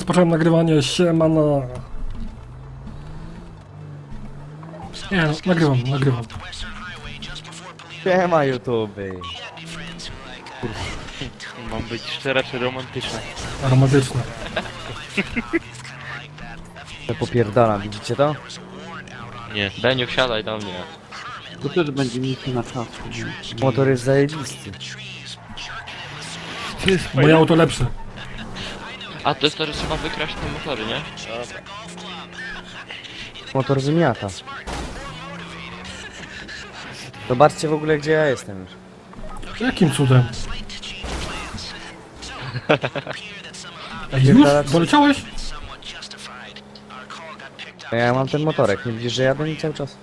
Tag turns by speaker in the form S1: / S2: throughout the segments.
S1: rozpocząłem nagrywanie, siemano. Nie no, nagrywam.
S2: Siema YouTube.
S3: Mam być szczera czy romantyczna?
S1: Romantyczne.
S2: To popierdalam, widzicie to?
S3: Nie. Beniu, wsiadaj do mnie.
S4: To też będzie misja na czas.
S2: Motor jest zajebisty.
S1: Moje auto lepsze.
S3: A to jest to, że trzeba wykraść te motory, nie?
S2: Motor wymiata. Zobaczcie w ogóle gdzie ja jestem już.
S1: Jakim cudem? Ej, już? Doleciałeś?
S2: Ja mam ten motorek, nie widzisz, że jadę mi cały czas?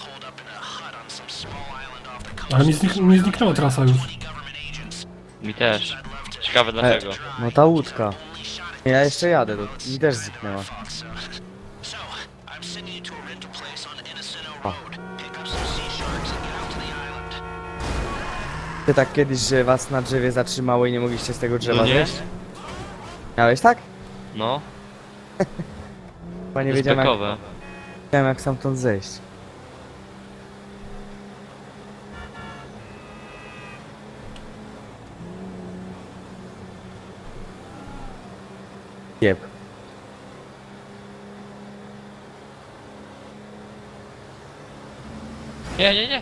S1: Ale mi zniknęła trasa już.
S3: Mi też. Ciekawe dlaczego.
S2: No ta łódka. Ja jeszcze jadę, to mi też zniknęła. O. Ty tak kiedyś, że was na drzewie zatrzymało i nie mogliście z tego drzewa
S3: No nie?
S2: zejść? Miałeś tak?
S3: No,
S2: Chyba nie
S3: jest
S2: wiedziałem
S3: bekowe.
S2: jak stamtąd zejść. Jeb.
S3: Nie.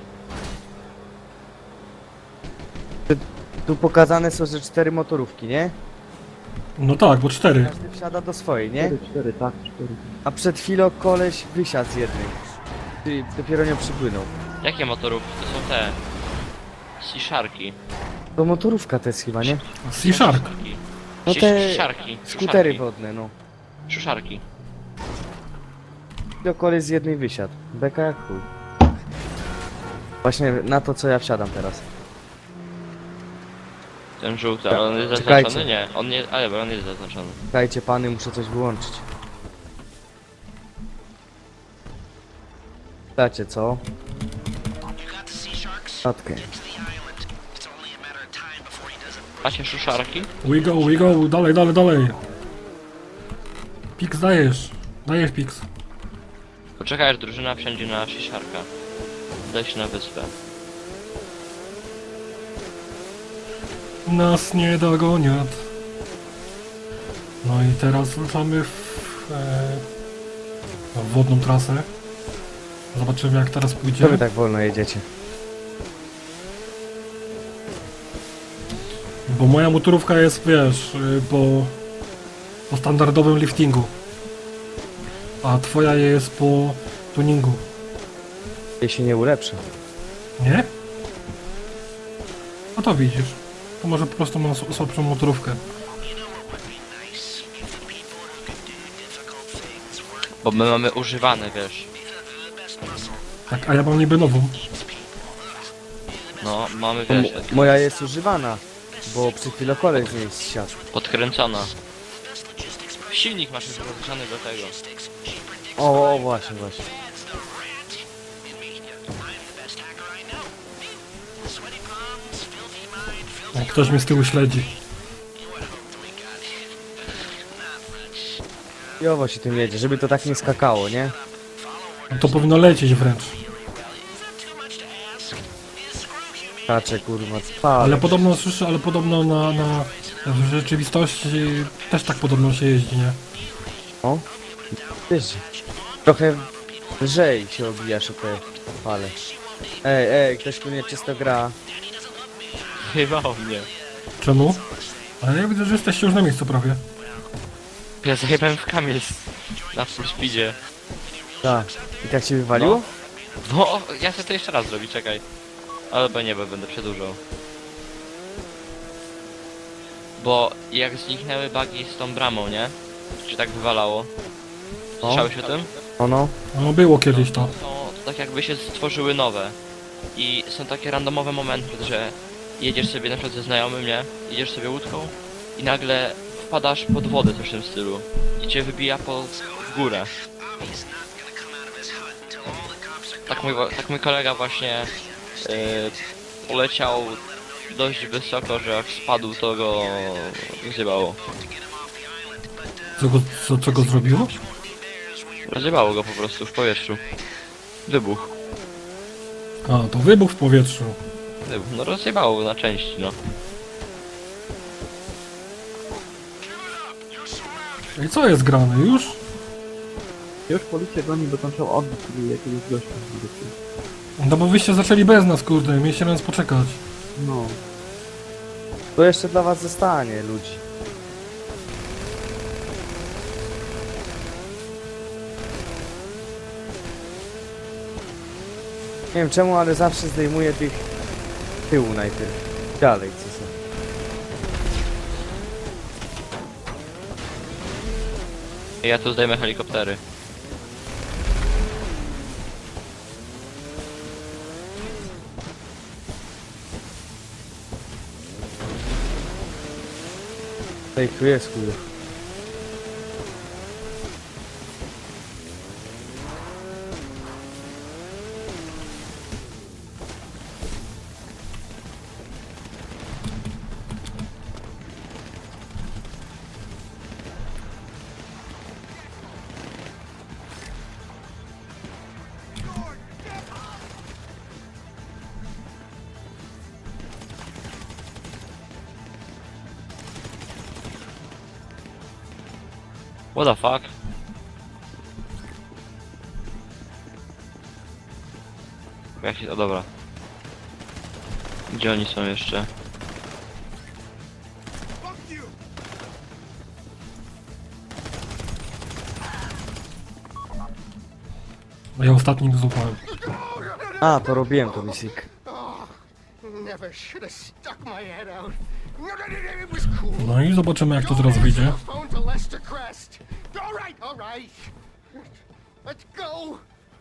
S2: Tu pokazane są, że 4 motorówki, nie?
S1: No tak, bo 4.
S2: Każdy wsiada do swojej, nie?
S4: 4, tak, 4.
S2: A przed chwilą koleś wysiadł z jednej. Czyli dopiero nie przypłynął.
S3: Jakie motorówki? To są te... Sea-sharki.
S2: To motorówka to jest chyba, nie?
S1: Sea Shark.
S2: No te
S3: Siarki.
S2: skutery wodne, no.
S3: Szuszarki.
S2: Do koleś z jednej wysiadł. Beka jak chuj. Właśnie na to co ja wsiadam teraz.
S3: Ten żółty, ale on jest
S2: Czekajcie.
S3: zaznaczony? Nie, on nie... Ale bo on jest zaznaczony.
S2: Czekajcie pany, muszę coś wyłączyć. Dacie co? Statkę.
S3: Macie szuszarki?
S1: We go, dalej. Pix dajesz Pix.
S3: Poczekaj, aż drużyna wsiądzie na Sea-sharka. Udaj się na wyspę.
S1: Nas nie dogonią. No i teraz ruszamy w wodną trasę. Zobaczymy jak teraz pójdzie.
S2: Co wy tak wolno jedziecie?
S1: Bo moja motorówka jest, wiesz, po standardowym liftingu. A twoja jest po tuningu.
S2: Jej się nie ulepszy.
S1: Nie? No to widzisz. To może po prostu mam słabszą motorówkę.
S3: Bo my mamy używane, wiesz.
S1: Tak, a ja mam niby nową.
S3: No, mamy, wiesz,
S2: Moja jest używana, bo przed chwilą koleś z niej zsiadł.
S3: podkręcona. Silnik masz już rozgrzany do tego.
S2: O, właśnie.
S1: Jak ktoś mnie z tyłu śledzi.
S2: Jowo się tym jedzie, żeby to tak nie skakało, nie?
S1: No to powinno lecieć wręcz.
S2: Kacze kurwa, trwa.
S1: Ale podobno słyszę, ale podobno w rzeczywistości też tak podobno się jeździ, nie?
S2: O, wiesz, trochę lżej się obijasz o te fale. Ej, ktoś tu nieczysto gra.
S3: Chyba o mnie.
S1: Czemu? Ale ja widzę, że jesteście już na miejscu prawie.
S3: Ja zajebałem w kamień na full speedzie.
S2: Tak. I tak się wywaliło?
S3: No, ja chcę to jeszcze raz zrobić, czekaj. Albo nie, bo będę przedłużał. Bo jak zniknęły bugi z tą bramą, nie? Czy tak wywalało? Słyszałeś o tym?
S2: No.
S1: No było kiedyś to.
S3: To tak jakby się stworzyły nowe. I są takie randomowe momenty, że jedziesz sobie na przykład ze znajomym, nie? Jedziesz sobie łódką i nagle wpadasz pod wodę, coś w tym stylu. I cię wybija w górę. Tak mój kolega właśnie poleciał dość wysoko, że jak spadł to go zjebało.
S1: Co go zrobiło?
S3: Rozjebało go po prostu w powietrzu. Wybuch.
S1: A, to wybuch w powietrzu.
S3: Wybuch. No rozjebało go na części, no.
S1: I co jest grane? Już?
S4: Już policja goni, bo tam trzeba odbić sobie jakiegoś gościa.
S1: No bo wyście zaczęli bez nas, kurde, mieliście na nas poczekać.
S4: No.
S2: To jeszcze dla was zostanie, ludzi. Nie wiem czemu, ale zawsze zdejmuję tych tyłu najpierw. Dalej, co są.
S3: Ja tu zdejmę helikoptery.
S2: Ej, tu jest chuj.
S3: What the fuck? Jak się... O dobra. Gdzie oni są jeszcze?
S1: Ja ostatnim złapałem.
S2: A, to robiłem to, Misik.
S5: Never should have stuck my head out. It was cool.
S1: No i zobaczymy jak to teraz wyjdzie.
S5: Phone to Lester Crest. All right. Let's go.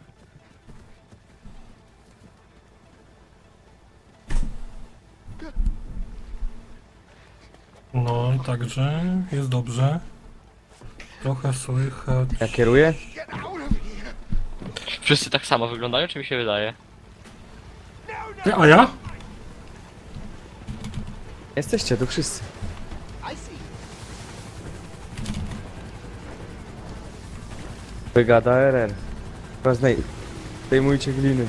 S1: No, także jest dobrze. Trochę słychać.
S2: Ja kieruję?
S5: Get out of here.
S3: Wszyscy tak samo wyglądają, czy mi się wydaje?
S1: Ty, a ja?
S2: Jesteście tu wszyscy.
S5: I see.
S2: Brygada RR. Teraz zdejmujcie gliny.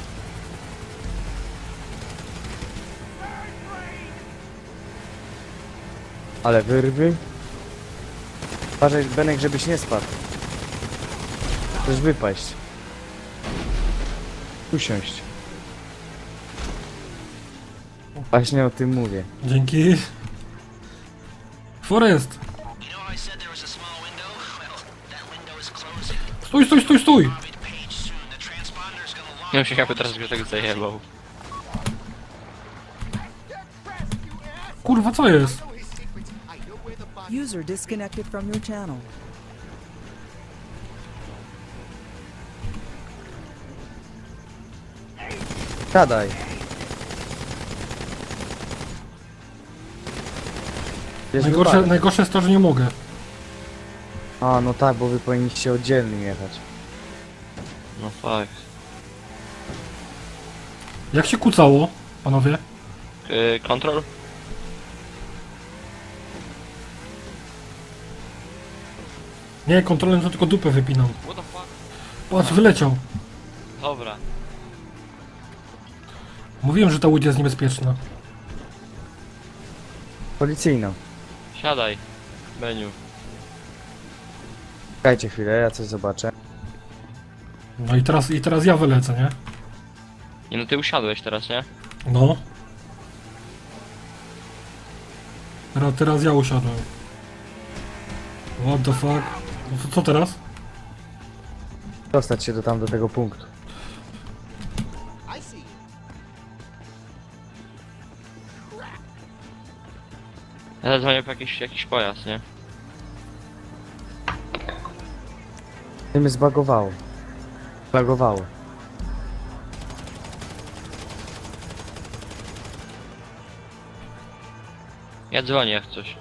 S2: Ale wyrwy. Uważaj, Benek, żebyś nie spadł. Chcesz wypaść. Usiąść. Właśnie o tym mówię.
S1: Dzięki. Forest! Stój, stój, stój, stój!
S3: Nie wiem się jakby teraz Grzesiek zajebał.
S1: Kurwa, co jest?
S5: Know his secrets. I know where the body.
S6: User disconnected from your channel.
S2: Siadaj. Wiesz,
S1: Najgorsze jest to, że nie mogę.
S2: A, no tak, bo wy powinniście oddzielnie jechać.
S3: No fuck.
S1: Jak się kucało, panowie?
S3: Kontrol?
S1: Nie, kontrolem to tylko dupę wypinam.
S3: What the fuck?
S1: Patrz, wyleciał.
S3: Dobra.
S1: Mówiłem, że ta łódź jest niebezpieczna.
S2: Policyjno.
S3: Siadaj. Beniu.
S2: Czekajcie chwilę, ja coś zobaczę.
S1: No i teraz ja wylecę, nie?
S3: Nie no, ty usiadłeś teraz, nie?
S1: No. Teraz ja usiadłem. What the fuck? No to co teraz?
S2: Dostać się do tego punktu.
S5: I see.
S3: Ja zadzwonię po jakiś pojazd, nie?
S2: I mnie zbagowało. Zbagowało.
S3: Ja dzwonię jak coś.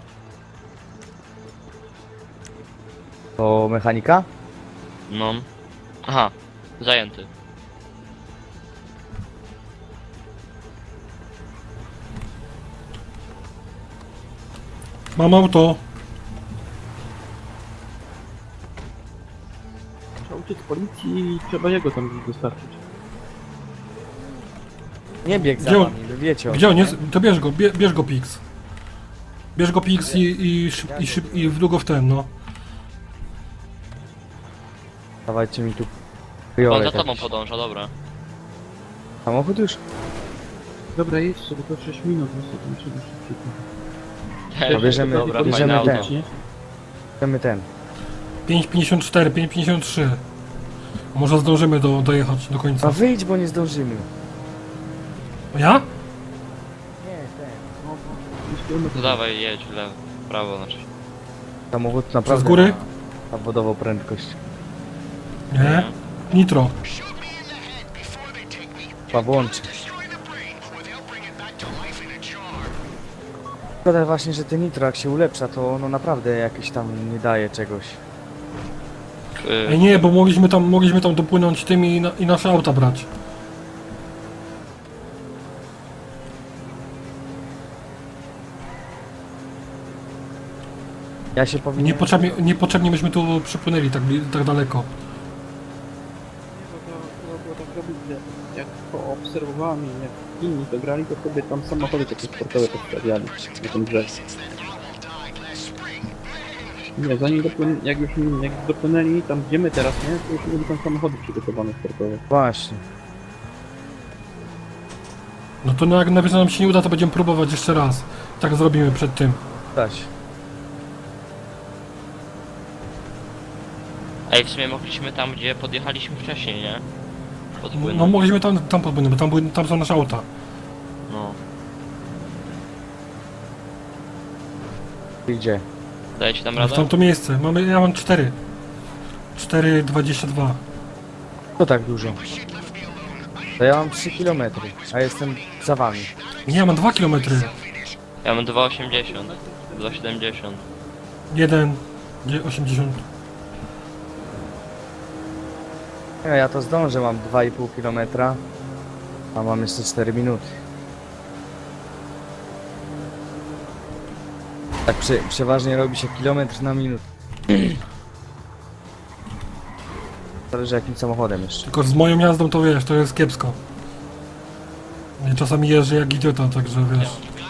S2: To mechanika?
S3: No. Aha. Zajęty.
S1: Mam auto.
S4: Trzeba uciec z policji i trzeba jego tam dostarczyć.
S2: Nie bieg za
S1: Gdzie on-
S2: wami, wy wiecie o
S1: Gdzie on
S2: tym,
S1: jest? To bierz go, bierz go Pix. Bierz go Pix i wdługo w ten, no.
S2: nie? Dawajcie mi tu
S3: On
S2: kryjole
S3: za tobą
S2: jakiś.
S3: podąża, dobra.
S2: Samochód już?
S4: Dobra, jedź sobie, to 6 minut, niestety trzeba szybciej.
S2: To bierzemy,
S3: Dobra,
S2: bierzemy
S3: fajne
S2: ten,
S3: auto.
S4: Nie?
S2: bierzemy ten.
S1: 5,54, 5,53. Może zdążymy dojechać do
S2: A
S1: końca.
S2: wyjdź, bo nie zdążymy.
S1: Ja?
S2: Nie, ten.
S4: No, 5 kilometrów.
S3: No dawaj, jedź w lewo, w prawo znaczy.
S2: Samochód naprawdę
S1: góry?
S2: ma zawodową prędkość.
S1: Nie? Nitro.
S2: Chyba włączy. Szkoda właśnie, że ten nitro jak się ulepsza, to ono naprawdę jakieś tam nie daje czegoś.
S1: Ej, nie, bo mogliśmy tam dopłynąć tym i nasze auta brać.
S2: Ja się powinien...
S1: Niepotrzebnie myśmy tu przypłynęli tak daleko.
S4: Nie, bo to trzeba było tak robić, że jak poobserwowałem i jak inni to grali, to sobie tam samochody takie sportowe postawiali na tym brzegu. Nie, zanim jak dopłynęli tam gdzie my teraz, nie, to już mieli tam samochody przygotowane sportowe.
S2: Właśnie.
S1: No to jak nawet nam się nie uda, to będziemy próbować jeszcze raz. Tak zrobimy przed tym.
S2: Dać.
S3: Ej, w sumie mogliśmy tam, gdzie podjechaliśmy wcześniej, nie? Podpłynąć.
S1: No mogliśmy tam podpłynąć, bo tam są nasze auta.
S3: No.
S2: Gdzie?
S3: Dajecie tam
S1: W
S3: radę?
S1: tamto miejsce. Ja mam 4. 4,22.
S2: To tak dużo. To ja mam 3 km, a jestem za wami.
S1: Nie, ja mam 2 km.
S3: Ja mam 2,80. 2,70.
S1: 1,80.
S2: Ja to zdążę, mam 2,5 km, a mam jeszcze 4 minuty. Tak przeważnie robi się kilometr na minutę. Zależy jakim samochodem jeszcze.
S1: Tylko z moją jazdą to wiesz, to jest kiepsko. Ja czasami jeżdżę jak idiota, także wiesz.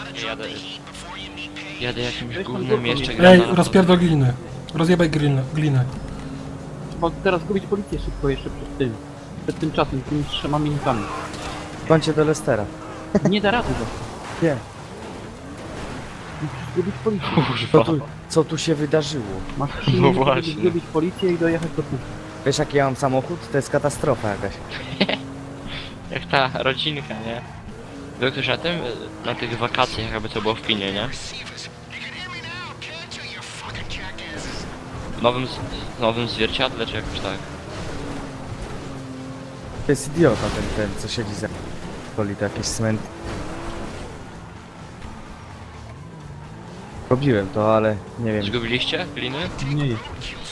S3: Jadę jakimś
S4: Weź tam
S3: gównem
S4: drugą
S3: jeszcze
S4: mi-
S3: gram
S1: Ej,
S3: na
S1: rozpierdol gliny. Rozjebaj glinę.
S4: Trzeba teraz zgubić policję szybko jeszcze przed tym czasem, tymi 3 minutami.
S2: Kończę do Lestera.
S4: Nie da rady go.
S2: Nie.
S4: Musisz zgubić policję.
S2: Co tu się wydarzyło?
S4: Masz 3
S3: No
S4: minuty, żeby
S3: właśnie.
S4: zgubić policję i dojechać do punktu.
S2: Wiesz jaki ja mam samochód? To jest katastrofa jakaś.
S3: Jak ta rodzinka, nie? Był ktoś na tym? Na tych wakacjach, jakby to było w kinie, nie? W nowym zwierciadle, czy jakoś tak?
S2: To jest idiota ten co siedzi za... Poli to jakieś cement. Robiłem to, ale nie wiem.
S3: Zgubiliście gliny?
S4: Nie jest.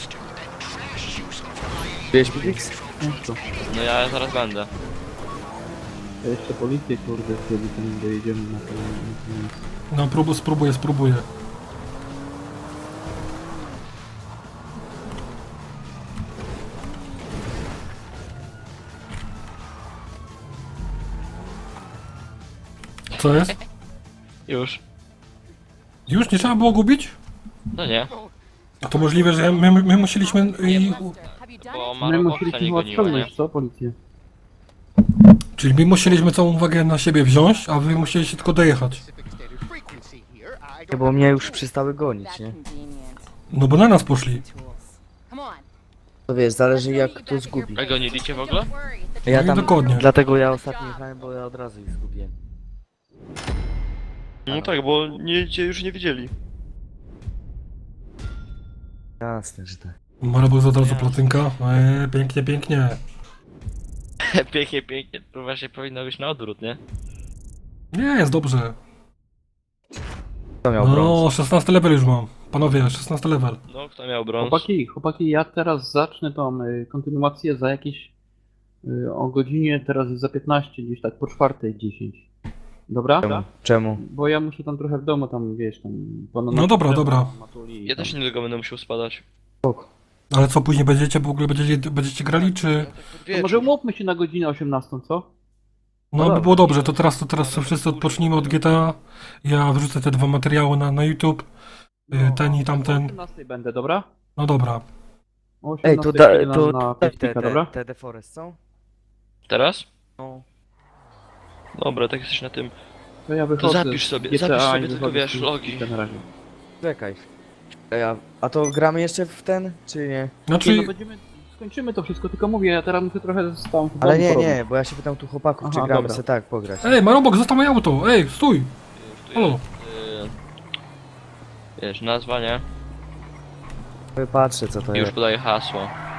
S2: Wiesz, Pix?
S4: Ciężko.
S3: No ja zaraz będę.
S4: To jeszcze policję, kurde, wtedy tam dojedziemy na to.
S1: No spróbuję. Co jest?
S3: Już.
S1: Już nie trzeba było gubić?
S3: No nie.
S1: A to możliwe, że my musieliśmy...
S3: Bo
S4: My
S3: Marokowca
S4: musieliśmy
S3: nie
S4: chyba
S3: goniło, nie?
S4: ściągnąć, co, policję?
S1: Czyli my musieliśmy całą uwagę na siebie wziąć, a wy musieliście tylko dojechać.
S2: Nie, bo mnie już przestały gonić, nie?
S1: No bo na nas poszli.
S2: To wiesz, zależy jak kto zgubi.
S3: A goniliście w ogóle?
S2: Ja
S1: No
S2: tam...
S1: dokładnie.
S2: Dlatego ja ostatnio jechałem, bo ja od razu ich zgubiłem.
S3: No tak, bo cię już nie widzieli.
S2: Jasne, że tak.
S1: Marabuz od razu platynka. Pięknie.
S3: Pięknie. To właśnie powinno być na odwrót, nie?
S1: Nie, jest dobrze.
S2: Kto miał brąz?
S1: No, 16 level już mam. Panowie, 16 level.
S3: No, kto miał brąz?
S4: Chłopaki, ja teraz zacznę tą kontynuację za jakieś o godzinie, teraz jest za 15, gdzieś tak po 4:10. Dobra?
S2: Czemu?
S4: Bo ja muszę tam trochę w domu, tam wiesz, tam...
S1: No dobra.
S3: Ja też niedługo będę musiał spadać.
S1: Ale co, później będziecie w ogóle będziecie grali, czy...
S4: To może umówmy się na godzinę 18, co?
S1: No by było dobrze, to teraz wszyscy odpocznijmy od GTA. Ja wrzucę te 2 materiały na YouTube. Ten i tamten.
S4: O 18 będę, dobra?
S1: No dobra.
S4: O
S2: Ej,
S4: 18
S2: tu da,
S4: przyjdę
S2: tu
S4: na
S2: te,
S4: Facebooka, dobra?
S2: te deforest są?
S3: Teraz?
S2: No.
S3: Dobra, tak jesteś na tym.
S4: To ja wychodzę.
S3: zapisz sobie-
S4: z GTA
S3: zapisz sobie
S4: i
S3: tylko,
S4: wychodzę
S3: wiesz,
S4: z
S3: logi.
S4: Facebooka na razie.
S2: Czekaj. A to gramy jeszcze w ten, czy nie?
S4: Nie,
S1: Znaczy,
S4: no skończymy to wszystko, tylko mówię, ja teraz muszę trochę tam w
S2: Ale
S4: domu
S2: nie,
S4: porobić.
S2: nie, bo ja się pytam tu chłopaków, czy
S4: Aha,
S2: gramy
S4: dobra.
S2: se tak pograć.
S1: ej, Marobok, zostaw moje auto! Ej, stój!
S3: Już tu
S1: Halo.
S3: jest, wiesz, nazwa, nie?
S2: Patrzę co to
S3: I już
S2: jest.
S3: podaję hasło.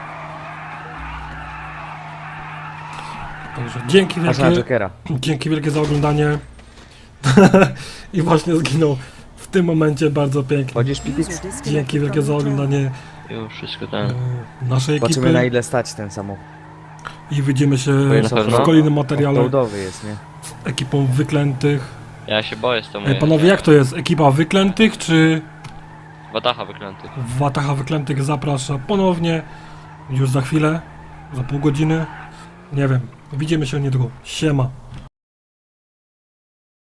S1: Także dzięki
S2: Aż na
S1: wielkie,
S2: Jokera.
S1: dzięki wielkie za oglądanie. I właśnie zginął w tym momencie bardzo pięknie.
S2: Chodzisz Pipik?
S6: User disconnected
S1: Dzięki wielkie
S6: from
S1: za
S6: your channel.
S1: oglądanie
S3: Już wszystko ten.
S1: naszej
S2: Zobaczymy na
S1: ekipy
S2: ile stać ten samochód.
S1: i widzimy się
S3: Na pewno?
S1: w kolejnym materiale
S2: Offroadowy jest, nie?
S1: z ekipą wyklętych.
S3: Ja się boję z tą
S1: Ej, panowie, jak to jest? Ekipa wyklętych czy
S3: Watacha wyklętych.
S1: Wataha wyklętych zaprasza ponownie już za chwilę, za pół godziny. Nie wiem, widzimy się niedługo. Siema.